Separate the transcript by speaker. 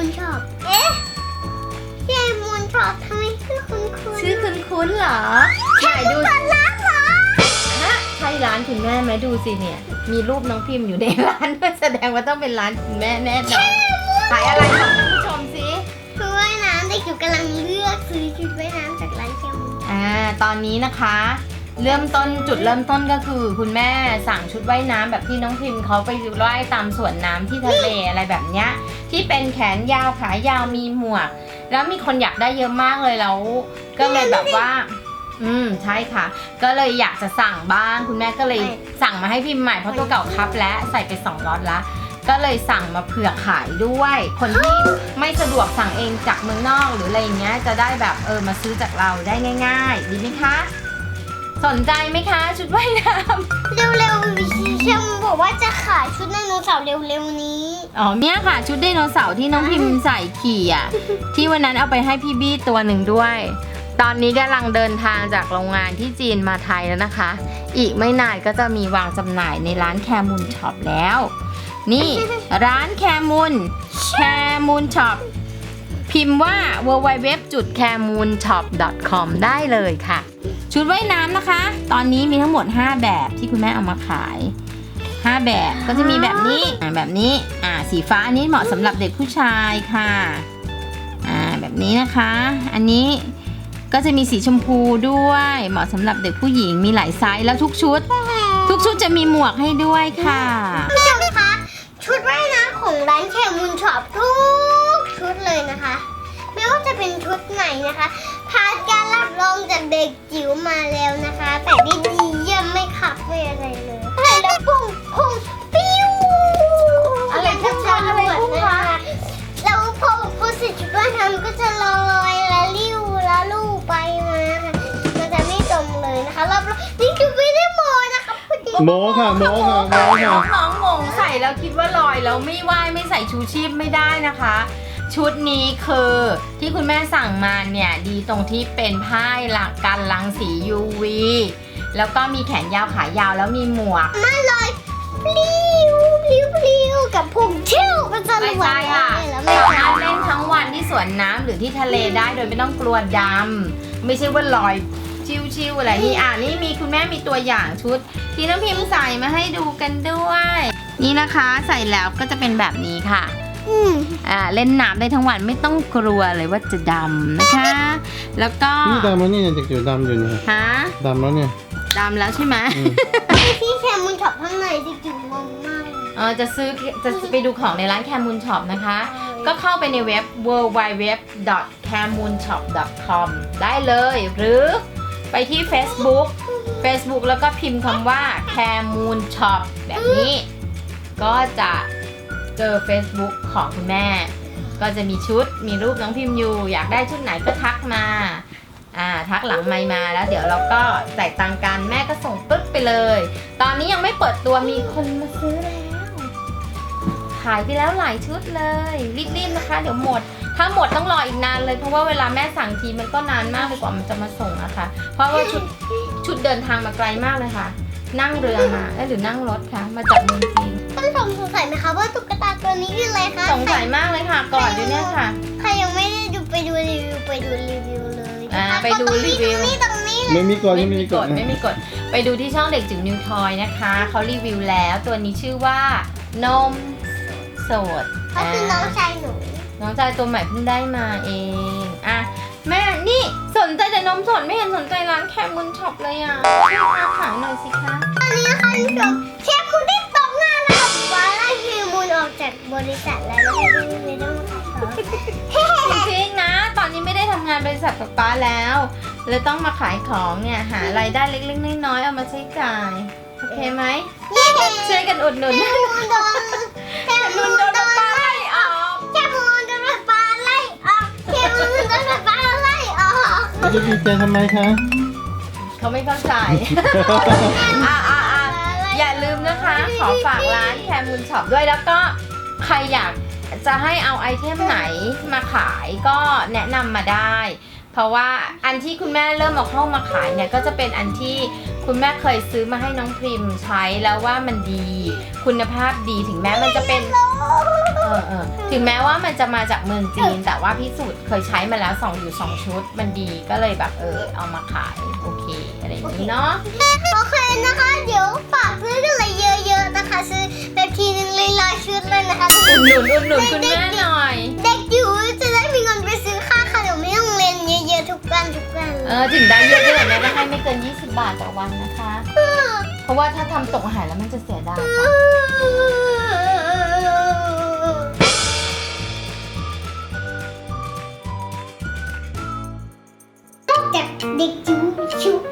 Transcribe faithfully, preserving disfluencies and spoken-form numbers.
Speaker 1: ช็อปเอ๊ะแคมูนช็อปทำไมชื่อคุ้นคุ้น
Speaker 2: ชื่อคุ้นๆเหรอไหนดู
Speaker 1: ร้านเหรอ
Speaker 2: ฮะใช่ร้านคุณแม่ไหมดูสิเนี่ยมีรูปน้องพิมพ์อยู่ในร้านด้วยแสดงว่าต้องเป็นร้านคุณแม่แน่นอนขายอะไรบอกท่านผู้ชมสิ
Speaker 1: คือว่ายน้ำเด็กอยู่กำลังเลือกซื้อชุดว่ายน้ำจากร้านแคมูน
Speaker 2: อ่าตอนนี้นะคะ เริ่มต้นจุดเริ่มต้นก็คือคุณแม่สั่งชุดว่ายน้ำแบบที่น้องพิมพ์เขาไปว่ายตามสวนน้ำที่ทะเลอะไรแบบเนี้ยที่เป็นแขนยาวขายาวมีหมวก แล้วมีคนอยากได้เยอะมากเลยแล้วก็เลยแบบว่า อืมใช่ค่ะ ก็เลยอยากจะสั่งบ้างคุณแม่ก็เลยสั่งมาให้พิมพ์ใหม่เพราะตัวเก่าคับและใส่ไปสองล็อตละก็เลยสั่งมาเผื่อขายด้วย คนที่ไม่สะดวกสั่งเองจากเมืองนอกหรืออะไรอย่างเงี้ยจะได้แบบเออมาซื้อจากเราได้ง่ายๆดีไหมคะสนใจไหมคะชุดว่ายน้ำ
Speaker 1: เร็วๆแคมูนบอกว่าจะขายชุดไดโนเสาร์เร็วๆนี้
Speaker 2: อ๋อเนี่ยค่ะชุดไดโนเสาร์ที่น้องพิมพ์ใส่ขี่อ่ะที่วันนั้นเอาไปให้พี่บี้ตัวหนึ่งด้วย ตอนนี้กำลังเดินทางจากโรงงานที่จีนมาไทยแล้วนะคะ อีกไม่นานก็จะมีวางจำหน่ายในร้านแคมูนช็อปแล้ว นี่ ร้านแคมูนแคมูนช็อปพิมพ์ว่า ดับเบิลยู ดับเบิลยู ดับเบิลยู ดอท แคมูนช็อป ดอท คอม ได้เลยค่ะ ชุดว่ายน้ำนะคะ ตอนนี้มีทั้งหมดห้าแบบที่คุณแม่เอามาขายห้าแบบก็จะมีแบบนี้อ่าแบบนี้อ่าสีฟ้าอันนี้เหมาะสำหรับเด็กผู้ชายค่ะอ่าแบบนี้นะคะ อันนี้ก็จะมีสีชมพูด้วยเหมาะสำหรับเด็กผู้หญิงมีหลายไซส์แล้วทุกชุด ทุกชุดจะมีหมวกให้ด้วยค่ะ
Speaker 1: ผู้ชมคะชุดว่ายน้ำของร้านแคมูนช็อปทุกชุดเลยนะคะไม่ว่าจะเป็นชุดไหนนะคะผ่านการรับรองจากเด็กจิ๋วมาแล้วนะคะแต่ได้ดีเยี่ยมไม่ขับไม่อะไรเลยใส่แล้วพุ่งพุ่งปิ้ว
Speaker 2: อะไรพุ่งคะอะไรพุ่งคะ
Speaker 1: แล้วพอพอเสร็จชุดว่ายน้ำก็จะลอยและลิ้วและลู่ไปมาค่ะมันจะไม่จมเลยนะคะรอบๆนี่คือไม่ได้โมนะคะพอดี
Speaker 3: โมค่ะโมค่ะโมค่ะ
Speaker 2: น้องงงใส่แล้วคิดว่าลอยแล้วไม่ว่ายไม่ใส่ชูชีพไม่ได้นะคะ ชุดนี้คือที่คุณแม่สั่งมาเนี่ยดีตรงที่เป็นผ้าหลักกันรังสี ยู วี แล้วก็มีแขนยาวขายาวแล้วมีหมวก
Speaker 1: ไม่ลอยปลิวปลิวปลิวกับพุงเที่ยวมันจะ
Speaker 2: ไม่
Speaker 1: ระวั
Speaker 2: ใช่
Speaker 1: ง
Speaker 2: ค่ะ
Speaker 1: แล้ว
Speaker 2: สา
Speaker 1: ไม่
Speaker 2: มารถเล่นทั้งวันที่สวนน้ำหรือที่ทะเลได้โดยไม่ต้องกลัวดำไม่ใช่ว่าลอยชิวๆอะไรนี่อ่านี่มีคุณแม่มีตัวอย่างชุดที่น้องพิมพ์ใส่มาให้ดูกันด้วย นี่นะคะใส่แล้วก็จะเป็นแบบนี้ค่ะ
Speaker 1: อืม
Speaker 2: อ่าเล่นน้ำได้ทั้งวันไม่ต้องกลัวเลยว่าจะดำนะคะ แล้วก็
Speaker 3: นี่ดำแล้วนี่เด็กจิ๋วดำอยู่เนี่ย
Speaker 2: ฮะ
Speaker 3: ดำแล้วเนี่ย
Speaker 2: ดำแล้วใช่ไหม
Speaker 3: อืม
Speaker 1: พี่แคมูนช็อปข้างในจริงๆงงมากเลย
Speaker 2: เออจะซื้อจะไปดูของในร้านแคมูนช็อปนะคะ ก็เข้าไปในเว็บ ดับเบิลยู ดับเบิลยู ดับเบิลยู ดอท แคมูนช็อป ดอท คอม ได้เลย หรือไปที่ Facebook Facebook แล้วก็พิมพ์คำว่า แคมูนช็อป แบบนี้ ก็จะเจอ Facebook ของคุณแม่ ก็จะมีชุดมีรูปน้องพิมพ์อยู่ อยากได้ชุดไหนก็ทักมาอ่าทักหลังไมค์มาแล้วเดี๋ยวเราก็จ่ายตังค์กันแม่ก็ส่งปึ๊บไปเลย ตอนนี้ยังไม่เปิดตัวมีคนมาซื้อแล้ว ขายไปแล้วหลายชุดเลยรีบๆนะคะ เดี๋ยวหมด ถ้าหมดต้องรออีกนานเลยเพราะว่าเวลาแม่สั่งทีมันก็นานมากเลยกว่ามันจะมาส่งอะค่ะ เพราะว่าชุดชุดเดินทางมาไกลมากเลยค่ะ นั่งเรือมาเอ้ยหรือนั่งรถคะมาจากเมืองจีน
Speaker 1: ท่านผู้ชมสงสัยไหมคะว่าตุ๊กตาตัวนี้คืออะไรคะ
Speaker 2: สงสัยมากเลยค่ะก่อนอยู่เนี่ยค่ะ
Speaker 1: ใครยังไม่ได้ดูไปดูรีวิวไปดูรีวิวเลย
Speaker 2: อ่า
Speaker 1: นะคะ
Speaker 2: ไปดูรีวิว
Speaker 1: ตรงนี้ตรงนี้เลย
Speaker 3: ไม่มีกฎ
Speaker 2: ไม่
Speaker 3: ไม่
Speaker 2: มี
Speaker 3: มี
Speaker 2: ก
Speaker 3: ก
Speaker 2: ฎ
Speaker 3: ฎ
Speaker 2: ไม่มีกฎไปดูที่ช่องเด็กจิ๋วนิวทอยนะคะเขารีวิวแล้วตัวนี้ชื่อว่านมสด
Speaker 1: เขาคือน้องชายหนู
Speaker 2: น้องชายตัวใหม่เพิ่งได้มาเองอ่ะแม่นี่สนใจแต่นมสดไม่เห็นสนใจร้านแคมูนช็อปเลยอ่ะช่วยมาขายหน่อยสิคะ
Speaker 1: ตอนนี้นะคะท่านผู้ชมเชฟคุณได้ตกงานแล้วค่ะว่าไล่คิวมูลออกจากบริษัทแล้วนะคะที่ไม่ต้องขายของ
Speaker 2: จริงๆนะ ตอนนี้ไม่ได้ทำงานบริษัทกับป้าแล้วเลยต้องมาขายของเนี่ยหารายได้เล็กๆน้อยๆเอามาใช้จ่ายโอเคไหม
Speaker 1: เย้
Speaker 2: ช่วยกันอุดหนุน
Speaker 1: แคมูลโดนแคมูลโดนปลาไล่ออกแคมูลโดนปลาไล่ออกแคมูลโดนปลาไล่ออก
Speaker 3: แล้วจะดีใจทำไมคะ
Speaker 2: เขาไม่เข้าใจ อ่ะอ่ะอ่ะอย่าลืมนะคะ ขอฝากร้านแคมูนช็อปด้วยแล้วก็ใครอยากจะให้เอาไอเทมไหนมาขายก็แนะนำมาได้ เพราะว่าอันที่คุณแม่เริ่มเอาเข้ามาขายเนี่ยก็จะเป็นอันที่คุณแม่เคยซื้อมาให้น้องพริมใช้แล้วว่ามันดีคุณภาพดีถึงแม้มันจะเป็นเออเออถึงแม้ว่ามันจะมาจากเมืองจีน แต่ว่าพิสูจน์เคยใช้มาแล้วสองอยู่สองชุดมันดีก็เลยแบบเออเอามาขายโอเคอะไรอย่างนี้เนาะ
Speaker 1: โอเคนะคะ เดี๋ยวฝากซื้อกันเลยเยอะๆนะคะ ซื้อแบบทีนึงเลยร้อยชุดเลยนะคะ
Speaker 2: อุดหนุนอุดหนุนคุณแม่หน่อย
Speaker 1: เด็กจิ๋วจะได้มีเงินไปซื้อค่าขนมไม่ต้องเรียนเยอะๆทุกวันทุกวัน
Speaker 2: เออถึงได้เยอะๆแม่ก็ให้ไม่เกินยี่สิบบาทต่อวันนะคะ เพราะว่าถ้าทำตกหายแล้วมันจะเสียดายค่ะ
Speaker 1: นอกจากเด็กจิ๋วชุบ